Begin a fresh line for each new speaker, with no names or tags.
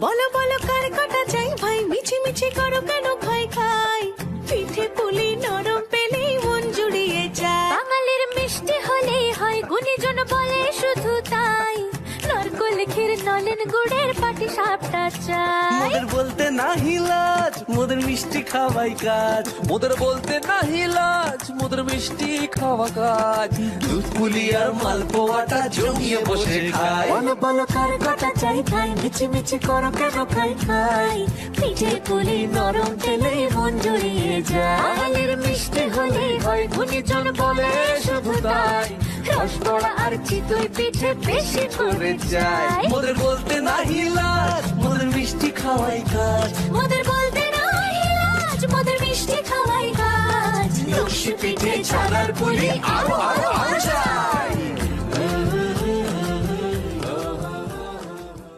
বলো বলো কার কাটা চাই ভাই, মিছি মিছি করো কেন খাই খাই, পিঠে পুলি নরম পেলেই মন জুড়িয়ে যায়।
বাঙালির মিষ্টি হলেই হয়, গুণীজন বলে শুধু তাই, নারকোল ক্ষীর নলেন গুড়ের পাটি সাপটা চাই।
মোদের বলতে নাহি লাজ, মোদের মিষ্টি খাওয়াই কাজ। মোদের বলতে নাহি লাজ, মোদের মিষ্টি খাওয়া কাজ। দুধ পুলি আর মালপোয়াটা জমিয়ে বসে খায়।
বলো বলো কার কাটা চাই ভাই, মিছি মিছি করো কেন খাই খাই, পিঠে পুলি নরম পেলেই মন জুড়িয়ে যায়।
বাঙালির মিষ্টি হলেই হয়, গুণীজন বলে শুধু তাই, রসগোল্লা আর চিতই পিঠে বেশি করে চাই।
মোদের বলতে নাহি লাজ, মোদের মিষ্টি খাওয়াই কাজ।
মোদের বলতে নাই লাজ, মোদের মিষ্টি খাওয়াই কাজ।
লক্ষ্মী পিঠে ছানার পুলি আরো আরো